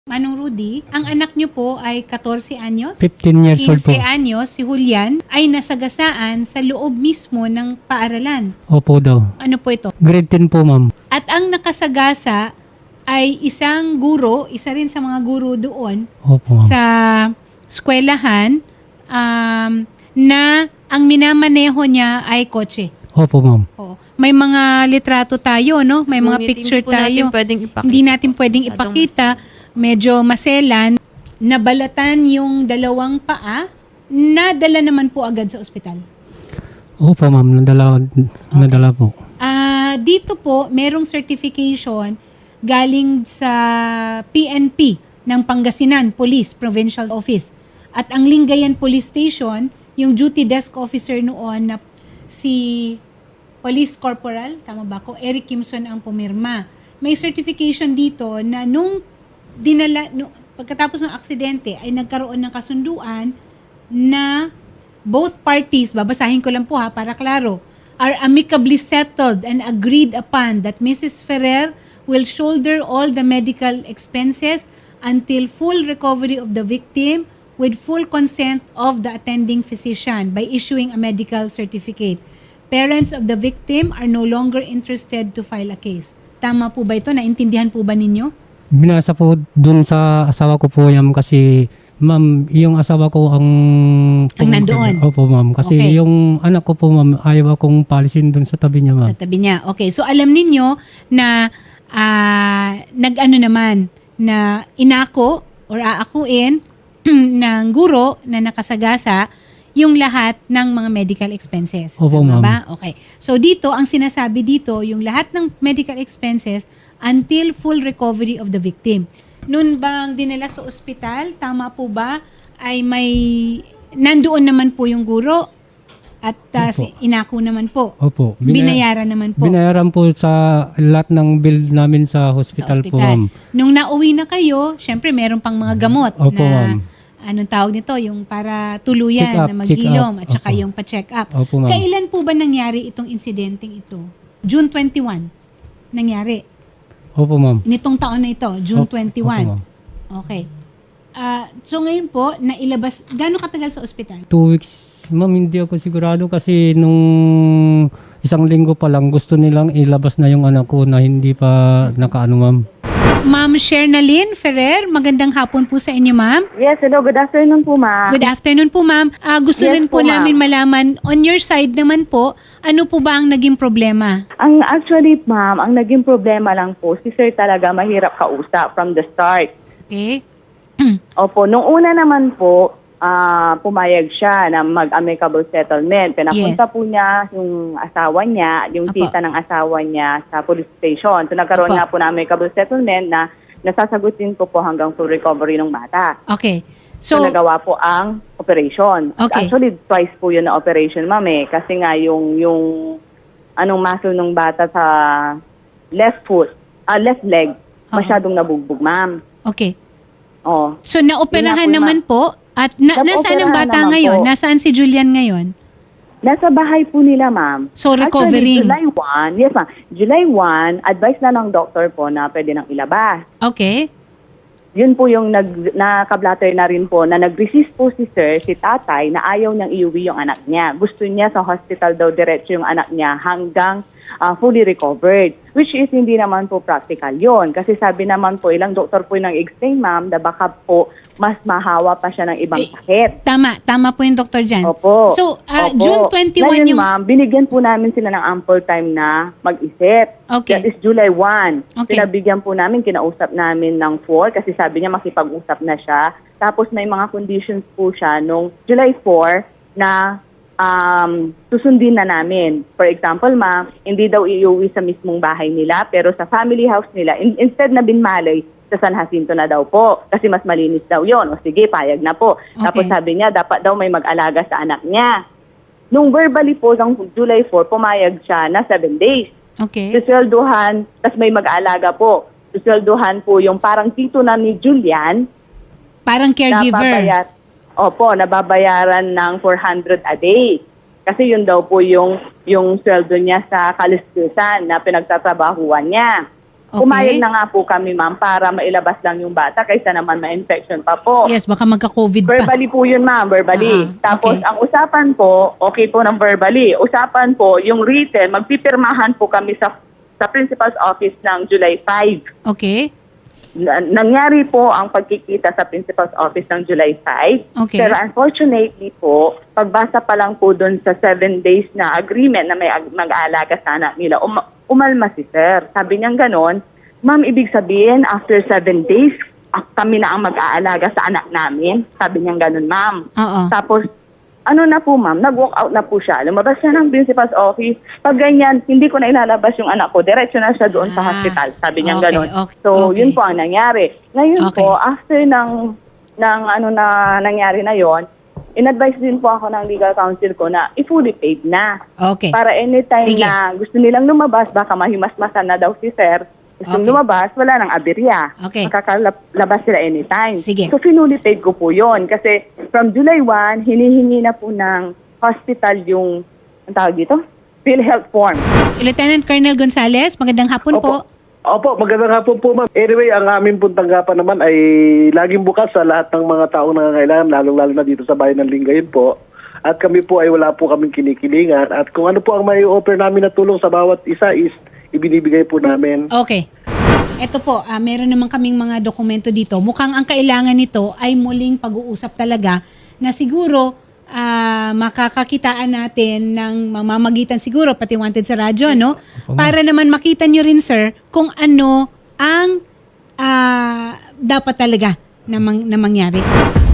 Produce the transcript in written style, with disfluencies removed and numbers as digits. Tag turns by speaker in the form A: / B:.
A: Manong Rudy, ang anak niyo po ay 14 anyos?
B: 15 years old po.
A: 15 anyos, si Julian, ay nasagasaan sa loob mismo ng paaralan.
B: Opo daw.
A: Ano po ito?
B: Grade 10 po, ma'am.
A: At ang nakasagasa ay isang guro, isa rin sa mga guro doon
B: Opo, ma'am.
A: sa eskwelahan na ang minamaneho niya ay kotse.
B: Opo, ma'am.
A: Oo. May mga litrato tayo, no? May mga
C: Ngunit
A: picture
C: hindi po natin
A: tayo.
C: pwedeng ipakita.
A: Hindi natin pwedeng
C: Masyadong
A: ipakita. Medyo maselan. Nabalatan yung dalawang paa. Nadala naman po agad sa ospital.
B: Opo, ma'am. Nadala po.
A: Dito po, merong certification galing sa PNP ng Pangasinan Police Provincial Office. At ang Lingayen Police Station, yung duty desk officer noon na si Police Corporal, tama ba ako? Eric Kimson ang pumirma. May certification dito na pagkatapos ng aksidente ay nagkaroon ng kasunduan na both parties, babasahin ko lang po ha para klaro, are amicably settled and agreed upon that Mrs. Ferrer will shoulder all the medical expenses until full recovery of the victim with full consent of the attending physician by issuing a medical certificate. Parents of the victim are no longer interested to file a case. Tama po ba ito? Naintindihan po ba ninyo?
B: Binasa po dun sa asawa ko po yan kasi, ma'am, yung asawa ko ang
A: nandoon?
B: Opo, ma'am. Kasi
A: Okay.
B: yung anak ko po, ma'am, ayaw akong palisin dun sa tabi niya, ma'am.
A: Sa tabi niya. Okay. So, alam ninyo na nag-ano naman, na inako or aakuin ng guro na nakasagasa yung lahat ng mga medical expenses.
B: Opo,
A: Tama
B: ma'am.
A: ba? Okay. So, dito, ang sinasabi dito, yung lahat ng medical expenses until full recovery of the victim. Noon bang dinala sa ospital, tama po ba, ay nandoon naman po yung guro at inako naman po.
B: Opo.
A: Binayaran naman po
B: Binayaran po sa lahat ng bill namin sa hospital, po, ma'am.
A: Nung nauwi na kayo, syempre meron pang mga gamot
B: Opo,
A: na
B: ma'am.
A: anong tawag nito, yung para tuluyan
B: Check up,
A: na mag-ilom
B: check up.
A: at saka
B: Opo.
A: yung pa-check up.
B: Opo, ma'am.
A: Kailan po ba nangyari itong insidenteng ito? June 21 nangyari.
B: Opo, ma'am.
A: Nitong taon na ito, June
B: Opo,
A: 21.
B: ma'am.
A: Okay. So ngayon po, nailabas, gaano katagal sa ospital?
B: 2 weeks, ma'am, hindi ako sigurado kasi nung isang linggo pa lang gusto nilang ilabas na yung anak ko na hindi pa nakaano, ma'am.
A: Ma'am Shernalyn Ferrer, magandang hapon po sa inyo, ma'am.
D: Yes, hello. Good afternoon po, ma'am.
A: Good afternoon po, ma'am. Gusto
D: Yes
A: rin po
D: po,
A: namin
D: ma'am.
A: malaman, on your side naman po, ano po ba ang naging problema?
D: Ang actually, ma'am, ang naging problema lang po, si sir talaga mahirap kausap from the start.
A: Okay?
D: Opo, nung una naman po, pumayag siya na mag-amicable settlement. Pinapunta po niya yung asawa niya, yung
A: Opo.
D: tita ng asawa niya sa police station. So nagkaroon
A: Opo.
D: nga po ng amicable settlement na nasasagutin ko po hanggang full recovery ng bata.
A: Okay.
D: So,
A: So,
D: nagawa po ang operation.
A: Okay.
D: Actually, twice po yun na operation, ma'am eh. Kasi nga yung anong muscle ng bata sa left leg, masyadong nabugbog, ma'am.
A: okay.
D: Oh.
A: So, naoperahan
D: Yun nga po,
A: naman po. At nasaan ang
D: Naoperahan
A: bata
D: naman
A: ngayon?
D: po.
A: Nasaan si Julian ngayon?
D: Nasa bahay po nila, ma'am.
A: So, recovering.
D: Actually, July 1, yes ma'am, July 1, advice na ng doktor po na pwede nang ilabas.
A: Okay.
D: Yun po yung nakablatter na rin po na nag-resist po si sir, si tatay, na ayaw niyang iuwi yung anak niya. Gusto niya sa hospital daw diretso yung anak niya hanggang fully recovered. Which is hindi naman po practical yon. Kasi sabi naman po, ilang doktor po yung nag-explain, ma'am, na baka po mas mahawa pa siya ng ibang sakit.
A: Tama po yung doktor dyan.
D: Opo.
A: So,
D: Opo.
A: June 21
D: Ngayon,
A: yung...
D: ma'am, binigyan po namin sila ng ample time na mag-isip.
A: Okay.
D: That is July 1.
A: Okay.
D: Pinabigyan po namin, kinausap namin ng 4 kasi sabi niya makipag-usap na siya. Tapos may mga conditions po siya nung July 4 na susundin na namin. For example, ma'am, hindi daw iuwi sa mismong bahay nila pero sa family house nila, instead na binmalay, sa San Jacinto na daw po kasi mas malinis daw yon. O sige, payag na po.
A: Okay.
D: Tapos sabi niya, dapat daw may mag-alaga sa anak niya. Nung verbally po, ng July 4, pumayag siya na 7 days.
A: Okay.
D: Suswelduhan, tas may mag-aalaga po. Suswelduhan po yung parang tito na ni Julian.
A: Parang caregiver.
D: Nababayaran ng 400 a day. Kasi yun daw po yung sweldo niya sa kalistusan na pinagtatrabahuan niya.
A: Okay.
D: Pumayag na nga po kami, ma'am, para mailabas lang yung bata kaysa naman ma-infection pa po.
A: Yes, baka magka-COVID pa.
D: Verbally po yun, ma'am, verbally. Tapos,
A: okay.
D: ang usapan po, okay po ng verbally. Usapan po, yung written, magpipirmahan po kami sa principal's office ng July 5.
A: Okay.
D: Nangyari po ang pagkikita sa principal's office ng July 5.
A: Okay.
D: Pero unfortunately po, pagbasa pa lang po doon sa 7 days na agreement na may mag-aalaga sa anak nila, umalma si sir. Sabi niya ganon, ma'am, ibig sabihin, after 7 days, kami na ang mag-aalaga sa anak namin. Sabi niya ganon, ma'am.
A: Oo.
D: Tapos, ano na po, ma'am, nag-walk out na po siya. Lumabas siya ng principal's office. Pag ganyan, hindi ko na ilalabas yung anak ko. Diretso na siya doon sa hospital. Sabi niya
A: Okay,
D: ganon.
A: okay,
D: So,
A: okay.
D: yun po ang nangyari. Ngayon
A: Okay.
D: po, after ng ano na nangyari na yon, in-advise din po ako ng legal counsel ko na i-fully paid na.
A: Okay.
D: Para anytime
A: Sige.
D: na gusto nilang lumabas, baka mahimasmasan na daw si sir. Gustong
A: Okay.
D: lumabas, wala nang aberya.
A: Okay.
D: Makakalabas sila anytime.
A: Sige.
D: So, finally paid ko po yon. Kasi from July 1, hinihingi na po ng hospital yung, ang tawag dito? PhilHealth form.
A: Lieutenant Colonel Gonzales, magandang hapon po.
C: Opo, magandang hapon po, ma'am. Anyway, ang aming pong tanggapan naman ay laging bukas sa lahat ng mga taong nangangailangan, lalong-lalo na dito sa bayan ng Lingayen po. At kami po ay wala po kaming kinikilingan. At kung ano po ang may offer namin na tulong sa bawat isa is ibinibigay po namin.
A: Okay. Ito po, meron naman kaming mga dokumento dito. Mukhang ang kailangan nito ay muling pag-uusap talaga na siguro makakakitaan natin ng mamamagitan siguro, pati wanted sa radyo, no? Para naman makita nyo rin, sir, kung ano ang dapat talaga na mangyari.